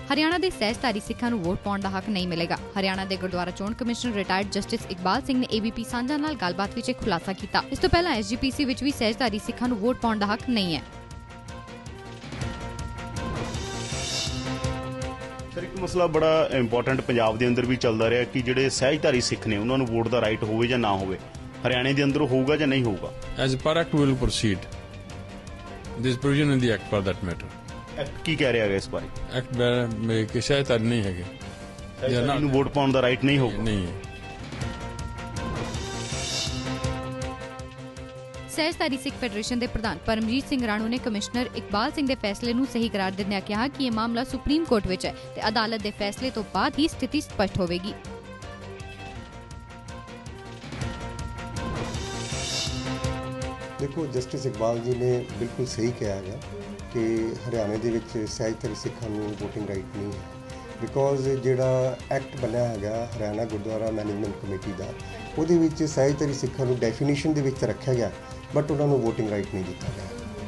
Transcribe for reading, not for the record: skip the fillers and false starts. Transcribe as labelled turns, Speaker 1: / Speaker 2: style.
Speaker 1: ਹਰਿਆਣਾ ਦੇ ਸਹਿਜਧਾਰੀ ਸਿੱਖਾਂ ਨੂੰ ਵੋਟ ਪਾਉਣ ਦਾ ਹੱਕ ਨਹੀਂ ਮਿਲੇਗਾ। ਹਰਿਆਣਾ ਦੇ ਗੁਰਦੁਆਰਾ ਚੋਣ commissioner retired justice Iqbal Singh ਨੇ ABP ਸਾਂਝਾ ਨਾਲ ਗੱਲਬਾਤ ਵਿੱਚ ਇੱਕ ਖੁਲਾਸਾ ਕੀਤਾ। ਇਸ ਤੋਂ ਪਹਿਲਾਂ SGPC ਵਿੱਚ ਵੀ ਸਹਿਜਧਾਰੀ ਸਿੱਖਾਂ ਨੂੰ ਵੋਟ ਪਾਉਣ ਦਾ ਹੱਕ ਨਹੀਂ ਹੈ।
Speaker 2: ਸਰ, ਇੱਕ ਮਸਲਾ ਬੜਾ ਇੰਪੋਰਟੈਂਟ ਪੰਜਾਬ ਦੇ ਅੰਦਰ ਵੀ ਚੱਲਦਾ ਰਿਹਾ ਕਿ ਜਿਹੜੇ ਸਹਿਜਧਾਰੀ ਸਿੱਖ ਨੇ ਉਹਨਾਂ ਨੂੰ ਵੋਟ ਦਾ ਰਾਈਟ ਹੋਵੇ ਜਾਂ ਨਾ ਹੋਵੇ, ਹਰਿਆਣੇ ਦੇ ਅੰਦਰ ਹੋਊਗਾ ਜਾਂ ਨਹੀਂ ਹੋਊਗਾ?
Speaker 3: As per Act we will proceed. This provision in the Act for that matter.
Speaker 2: Act ਕੀ ਕਹਿ ਰਿਹਾ ਹੈਗਾ ਇਸ ਬਾਰੇ?
Speaker 3: Act में कि ਸਹਿਜਧਾਰੀ ਨਹੀਂ ਹੈਗੇ,
Speaker 2: ਸਹਿਜਧਾਰੀ ਨੂੰ ਵੋਟ ਪਾਉਣ ਦਾ ਰਾਈਟ ਨਹੀਂ ਹੋਊਗਾ?
Speaker 3: ਨਹੀਂ ਹੈ।
Speaker 1: ਸਹਿਜਧਾਰੀ ਸਿੱਖ ਫੈਡਰੇਸ਼ਨ ਦੇ ਪ੍ਰਧਾਨ ਪਰਮਜੀਤ ਸਿੰਘ ਰਾਣੂ ਨੇ ਕਮਿਸ਼ਨਰ ਇਕਬਾਲ ਸਿੰਘ ਦੇ ਫੈਸਲੇ ਨੂੰ ਸਹੀ ਕਰਾਰ ਦਿੰਦਿਆਂ ਕਿਹਾ ਕਿ ਇਹ ਮਾਮਲਾ ਸੁਪਰੀਮ ਕੋਰਟ ਵਿੱਚ ਹੈ ਤੇ ਅਦਾਲਤ ਦੇ ਫੈਸਲੇ ਤੋਂ ਬਾਅਦ ਹੀ ਸਥਿਤੀ ਸਪਸ਼ਟ ਹੋਵੇਗੀ।
Speaker 4: देखो, जस्टिस इकबाल जी ने बिल्कुल सही कहा है कि हरियाणे दे विच सਹਿਜਧਾਰੀ सिखां नूं वोटिंग राइट नहीं है, बिकॉज जिहड़ा एक्ट बनया है हरियाणा गुरुद्वारा मैनेजमेंट कमेटी का, ਉਹਦੇ ਵਿੱਚ ਸਹਿਜਧਾਰੀ ਸਿੱਖਾਂ ਨੂੰ ਡੈਫੀਨੇਸ਼ਨ ਦੇ ਵਿੱਚ ਰੱਖਿਆ ਗਿਆ, ਬਟ ਉਹਨਾਂ ਨੂੰ ਵੋਟਿੰਗ ਰਾਈਟ ਨਹੀਂ ਦਿੱਤਾ ਗਿਆ।